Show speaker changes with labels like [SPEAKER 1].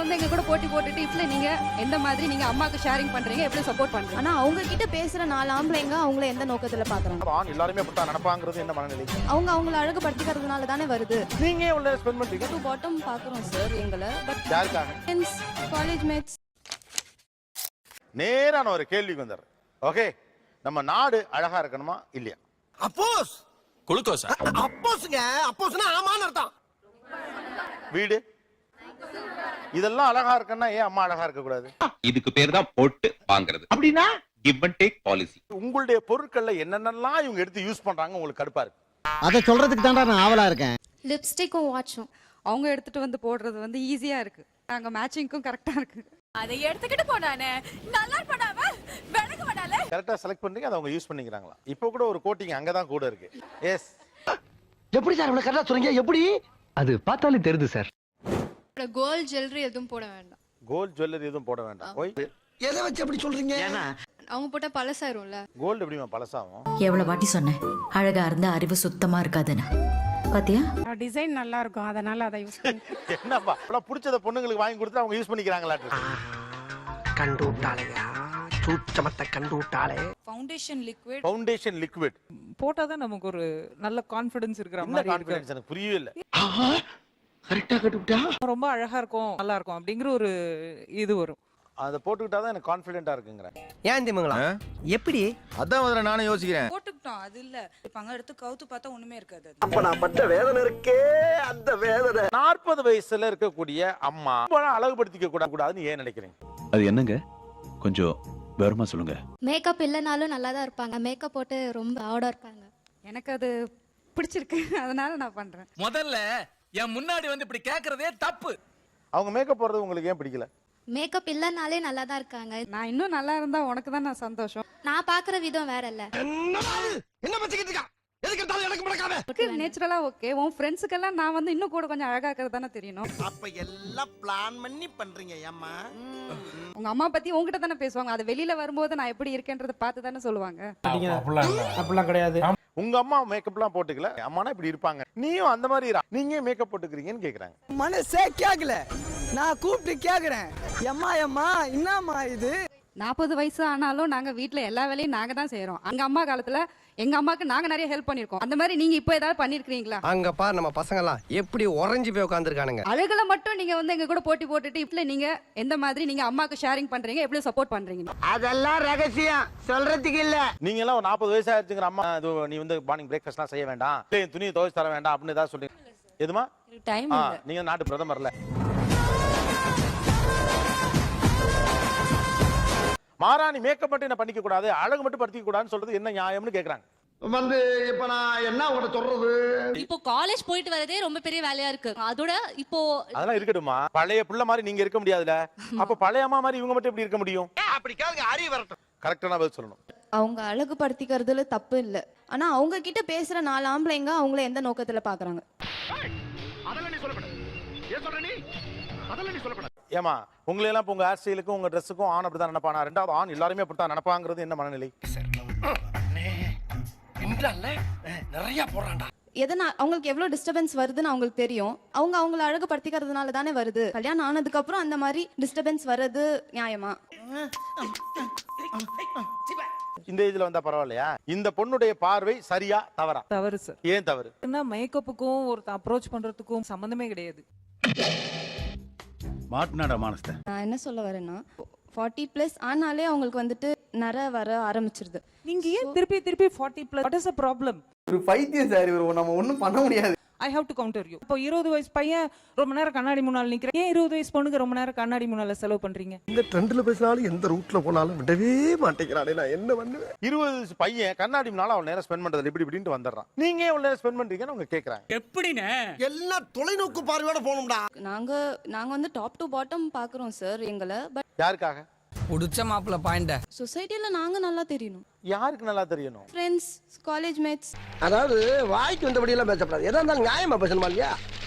[SPEAKER 1] வந்து எங்க கூட போட்டி போட்டுட்டு இப்ப நீங்க எந்த மாதிரி நீங்க அம்மாக்கு ஷேரிங் பண்றீங்க, எப்படி சப்போர்ட் பண்றீங்க?
[SPEAKER 2] ஆனா அவங்க கிட்ட பேசுற 4 ஆம்பளைங்க அவங்கள எந்த நோக்கத்துல பாக்குறாங்க?
[SPEAKER 3] ஆண் எல்லாருமே அப்படித்தான் நினைப்பாங்கிறது என்ன மனநிலை?
[SPEAKER 2] அவங்க அவங்கள அழகுபடுத்திக்கிறதுனால தானே வருது.
[SPEAKER 3] நீங்க ஏன் உள்ள ஸ்பெண்ட் பண்றீங்க?
[SPEAKER 2] டு பாட்டம் பாக்குறோம் சார் எங்களை. பட்
[SPEAKER 3] யாருக்காக?
[SPEAKER 2] Friends, college mates.
[SPEAKER 3] நேரான ஒரு கேள்விக்கு வந்துடுறேன். ஓகே, நம்ம நாடு அழகா இருக்கணுமா இல்லையா?
[SPEAKER 4] அப்போஸ்
[SPEAKER 5] குளுக்கோஸா?
[SPEAKER 4] அப்போஸ்ங்க, அப்போஸ்னா ஆமான்னு அர்த்தம்.
[SPEAKER 3] வீடு இதெல்லாம் அழகா இருக்குன்னா ஏன் அம்மா அழகா இருக்க கூடாது?
[SPEAKER 6] இதுக்கு பேர் தான் போட்டு வாங்குறது.
[SPEAKER 4] அப்படின்னா
[SPEAKER 6] கிவ் அண்ட் டேக் பாலிசி.
[SPEAKER 3] உங்களுடைய பொருட்கள்ல என்னென்னலாம் இவங்க எடுத்து யூஸ் பண்றாங்க உங்களுக்கு கடுப்பா இருக்கு?
[SPEAKER 7] அத சொல்றதுக்கு தான்டா நான் ஆவலா இருக்கேன்.
[SPEAKER 1] லிப்ஸ்டிக்கும் வாட்சும் அவங்க எடுத்துட்டு வந்து போடுறது வந்து ஈஸியா இருக்கு. நாங்க மேட்சிங்க்கும் கரெக்டா இருக்கு.
[SPEAKER 8] அதை எடுத்துக்கிட்டு போனானே நல்லா பண்ணாம விளக்க மாட்டாலே.
[SPEAKER 3] கரெக்டா செலக்ட் பண்றீங்க, அதை அவங்க யூஸ் பண்ணிக்கிறாங்களா? இப்போ கூட ஒரு கோட்டிங் அங்கதான் கூட இருக்கு. எஸ்.
[SPEAKER 4] எப்படி சார் இவ்வளவு கரெக்டா சொல்றீங்க? எப்படி?
[SPEAKER 7] அது பார்த்தாலே தெரியுது சார்.
[SPEAKER 2] கோல்ட் ஜுவல்லரி எதுவும் போட வேண்டாம்.
[SPEAKER 3] கோல்ட் ஜுவல்லரி எதுவும் போட வேண்டாம். ஓய்,
[SPEAKER 4] எதை வச்சு அப்படி சொல்றீங்க?
[SPEAKER 2] அவங்க போட்டா பழசாயிரும்ல.
[SPEAKER 3] கோல்டு எப்படிமா பழசாகும்?
[SPEAKER 8] எவ்வளவு வாட்டி சொன்னேன் அழகா இருந்தா அறிவு சுத்தமா இருக்காதுன்னு. பாத்தியா?
[SPEAKER 1] டிசைன் நல்லா இருக்கும், அதனால அதை யூஸ் பண்ணி.
[SPEAKER 3] என்னப்பா இவ்வளவு பிடிச்சத பொண்ணுங்களுக்கு வாங்கி கொடுத்து அவங்க யூஸ் பண்ணிக்கிறாங்களாட்டு?
[SPEAKER 4] கண்டு விட்டாளையா, சூச்சமத்தை கண்டு விட்டாளே.
[SPEAKER 3] ஃபவுண்டேஷன் லிக்விட்
[SPEAKER 9] போட்டாதான் நமக்கு ஒரு நல்ல கான்ஃபிடன்ஸ் இருக்கிற
[SPEAKER 3] என்ன
[SPEAKER 9] மாதிரி
[SPEAKER 3] கான்ஃபிடன்ஸ் எனக்கு புரியவே இல்ல.
[SPEAKER 4] கரெக்டா கட்டுவிட்டா.
[SPEAKER 9] ரொம்ப அழகா இருக்கும், நல்லா இருக்கும் அப்படிங்கிற ஒரு இது வரும்.
[SPEAKER 3] அதை போட்டுக்கிட்டா தான் எனக்கு கான்ஃபிடென்ட்டா இருக்குங்கிறேன்.
[SPEAKER 4] ஏன் திமுங்களா? எப்படி?
[SPEAKER 5] அதான் முதல்ல நானே யோசிக்கிறேன்.
[SPEAKER 9] போட்டுக்கிட்டோம் அது இல்ல, இப்ப அங்க எடுத்து கவுத்து பார்த்தா ஒண்ணுமே இருக்காது.
[SPEAKER 4] அப்ப நான் பட்ட வேதனை இருக்கே, அந்த வேதனை.
[SPEAKER 3] 40 வயசுல இருக்கக்கூடிய அம்மா அழகுபடுத்திக்க கூடாதுன்னு ஏன் நினைக்கிறீங்க?
[SPEAKER 5] அது என்னங்க? கொஞ்சம் விவரமா சொல்லுங்க.
[SPEAKER 2] மேக்கப் இல்லனாலும் நல்லா தான் இருப்பாங்க. மேக்கப் போட்டு ரொம்ப ஆடா இருப்பாங்க.
[SPEAKER 1] எனக்கு அது பிடிச்சிருக்கு, அதனால நான் பண்றேன்.
[SPEAKER 5] முதல்ல என் முன்னாடி வந்து இப்படி கேக்குறதே தப்பு.
[SPEAKER 3] அவங்க மேக்கப் போடுறது உங்களுக்கு ஏன் பிடிக்கல?
[SPEAKER 2] மேக்கப் இல்லனாலே நல்லா தான் இருக்காங்க.
[SPEAKER 1] நான் இன்னும் நல்லா இருந்தா உனக்கு தான் நான் சந்தோஷம்.
[SPEAKER 2] நான் பாக்குற விதம் வேற இல்ல.
[SPEAKER 4] என்ன பச்சிக்கிட்டு இருக்கா? எதுக்கு எடுத்தாலும் எனக்கு முடக்காம?
[SPEAKER 1] நேச்சுரலா ஓகே. உன் ஃப்ரெண்ட்ஸுக்கெல்லாம் நான் வந்து இன்னும் கூட கொஞ்சம் அழகா இருக்கிறது தானே தெரியணும்.
[SPEAKER 4] அப்ப எல்லாம் பிளான் பண்ணி பண்றீங்க ஏம்மா?
[SPEAKER 1] உங்க அம்மா பத்தி உங்ககிட்ட தானே பேசுவாங்க. அது வெளியில வரும்போது நான் எப்படி இருக்கேன்றதை பார்த்து தானே சொல்லுவாங்க.
[SPEAKER 7] அப்படிலாம் கிடையாது.
[SPEAKER 3] உங்க அம்மா மேக்கப்லாம் போட்டுக்கல, அம்மானா இப்படி இருப்பாங்க, நீயும் அந்த மாதிரி நீங்க மேக்கப் போட்டுக்கிறீங்கன்னு கேக்குறாங்க.
[SPEAKER 7] மனசே கேக்கல, நான் கூப்பிட்டு கேக்குறேன். எம்மா எம்மா என்னம்மா இது?
[SPEAKER 1] 40 வயசு ஆனாலும் நாங்க வீட்ல எல்லா வேலையும் நாங்க தான் செய்யறோம். அங்க அம்மா காலத்துல எங்க அம்மாக்கு நாங்க நிறைய ஹெல்ப் பண்ணிருக்கோம். அந்த மாதிரி நீங்க இப்போ ஏதாவது பண்ணிருக்கீங்களா?
[SPEAKER 4] அங்க பாரு நம்ம பசங்க எல்லாம் எப்படி உறைஞ்சு போய் உட்கார்ந்திருக்கானுங்க.
[SPEAKER 1] அழகுல மட்டும் நீங்க வந்து எங்க கூட போட்டி போட்டுட்டு இப்ப நீங்க எந்த மாதிரி நீங்க அம்மாக்கு ஷேரிங் பண்றீங்க, எப்படி சப்போர்ட் பண்றீங்க?
[SPEAKER 4] அதெல்லாம் ரகசியம் சொல்றதுக்கு இல்ல.
[SPEAKER 3] நீங்க எல்லாம் ஒரு 40 வயசு ஆயிடுச்சுங்கிற அம்மா நீ வந்து மார்னிங் பிரேக்ஃபாஸ்ட்லாம் செய்ய வேண்டாம், இல்ல துணியை துவைச்சு தர வேண்டாம் அப்படின்னு ஏதாவது சொல்றீங்க? எதுமா
[SPEAKER 1] டைம் இல்ல.
[SPEAKER 3] நீங்க நாட்டு பிரதமர்ல மாராணி மேக்கப் மட்டும் என்ன பண்ணிக்க கூடாது, அழகு மட்டும் படுத்திக்க கூடாதுன்னு சொல்றது என்ன நியாயம்னு கேக்குறாங்க.
[SPEAKER 4] வந்து இப்ப நான் என்ன உங்கள்ட்ட சொல்றது?
[SPEAKER 8] இப்போ காலேஜ் போயிட்டு வரதே ரொம்ப பெரிய வேலையா இருக்கு. அதோட இப்போ
[SPEAKER 3] அதெல்லாம் இருக்கட்டுமா, பழைய புள்ள மாதிரி நீங்க இருக்க முடியாதுல. அப்ப பழைய அம்மா மாதிரி இவங்க மட்டும் எப்படி இருக்க முடியும்?
[SPEAKER 4] அப்படி கேளுங்க, அறிவு வரட்டும்.
[SPEAKER 3] கரெக்டான பதில் சொல்லணும்.
[SPEAKER 2] அவங்க அழகுபடுத்திக்கிறதுல தப்பு இல்ல. ஆனா அவங்க கிட்ட பேசுற 4 ஆம்பளைங்க அவங்கள எந்த நோக்கத்துல பாக்குறாங்க?
[SPEAKER 4] அதெல்லாம் நீ சொல்லப்பட. ஏன் சொல்ற நீ? அதெல்லாம் நீ சொல்லப்பட.
[SPEAKER 3] ஏமா உங்களை எல்லாம் உங்க ஹேர் ஸ்டைலுக்கும் உங்க ட்ரெஸ்ஸுக்கும் ஆண் அப்படிதான் நினைப்பானா? ரெண்டாவது ஆண் எல்லாருமே அப்படித்தான் நினைப்பாங்கிறது என்ன மனநிலை?
[SPEAKER 4] நிறைய போறான்டா.
[SPEAKER 2] எதனா அவங்களுக்கு எவ்வளவு டிஸ்டர்பன்ஸ் வருதுன்னு அவங்களுக்கு தெரியும். அவங்க அவங்கள அழகுபடுத்திக்கிறதுனால தானே வருது. கல்யாணம் ஆனதுக்கு அப்புறம் அந்த மாதிரி டிஸ்டர்பன்ஸ் வர்றது நியாயமா?
[SPEAKER 3] இந்த ஏஜ்ல வந்தா பரவாயில்லையா? இந்த பொண்ணுடைய பார்வை சரியா தவறா?
[SPEAKER 9] தவறு சார்.
[SPEAKER 3] ஏன் தவறு?
[SPEAKER 9] ஏன்னா மேக்கப்புக்கும் ஒரு அப்ரோச் பண்றதுக்கும் சம்பந்தமே கிடையாது.
[SPEAKER 5] மாட்னாடா மானஸ்த.
[SPEAKER 2] நான் என்ன சொல்ல வரேன்னா 40+ ஆனாலே அவங்களுக்கு வந்துட்டு நர வர ஆரம்பிச்சிருது.
[SPEAKER 9] நீங்க ஏன் திருப்பி திருப்பி 40+? What is a problem?
[SPEAKER 7] ஒரு பைத்தியம் சார் இவரு, நம்ம ஒண்ணும் பண்ண முடியாது.
[SPEAKER 9] I have to counter you. இப்போ 20 வயசு பையன் ரொம்ப நேரம் கண்ணாடி முன்னால நிக்கிறேன். ஏன் 20 வயசு பொண்ணுக்கு ரொம்ப நேரம் கண்ணாடி முன்னால செலவு பண்றீங்க?
[SPEAKER 4] இந்த ட்ரெண்ட்ல பேசினாலும் எந்த ரூட்ல போனாலும் விடவே மாட்டேங்கிறானே, நான் என்ன பண்ணுவேன்?
[SPEAKER 3] 20 வயசு பையன் கண்ணாடி முன்னால அவள் நேரம் ஸ்பெண்ட் பண்றது இப்படி இப்படின்னு வந்துடுறான். நீங்க எவ்வளவு நேரம் ஸ்பெண்ட் பண்றீங்கன்னு அவங்க கேக்குறாங்க.
[SPEAKER 5] எப்படினே
[SPEAKER 4] எல்லாம் தொலைநோக்கு பார்வையோட போகணும்டா.
[SPEAKER 2] நாங்க வந்து டாப் டு பாட்டம் பாக்குறோம் சார் எங்களை. பட்
[SPEAKER 3] யாருக்காக?
[SPEAKER 7] புடிச்ச மாப்பிள்ள பாயிண்ட
[SPEAKER 2] சொசைட்டில நாங்க நல்லா தெரியணும்.
[SPEAKER 3] யாருக்கு நல்லா தெரியணும்?
[SPEAKER 2] Friends, college mates.
[SPEAKER 4] அதாவது வாய்க்கு வந்தபடி எல்லாம் பேசப்படாது. எதா இருந்தாலும் நியாயமா பேசணுமா இல்லையா?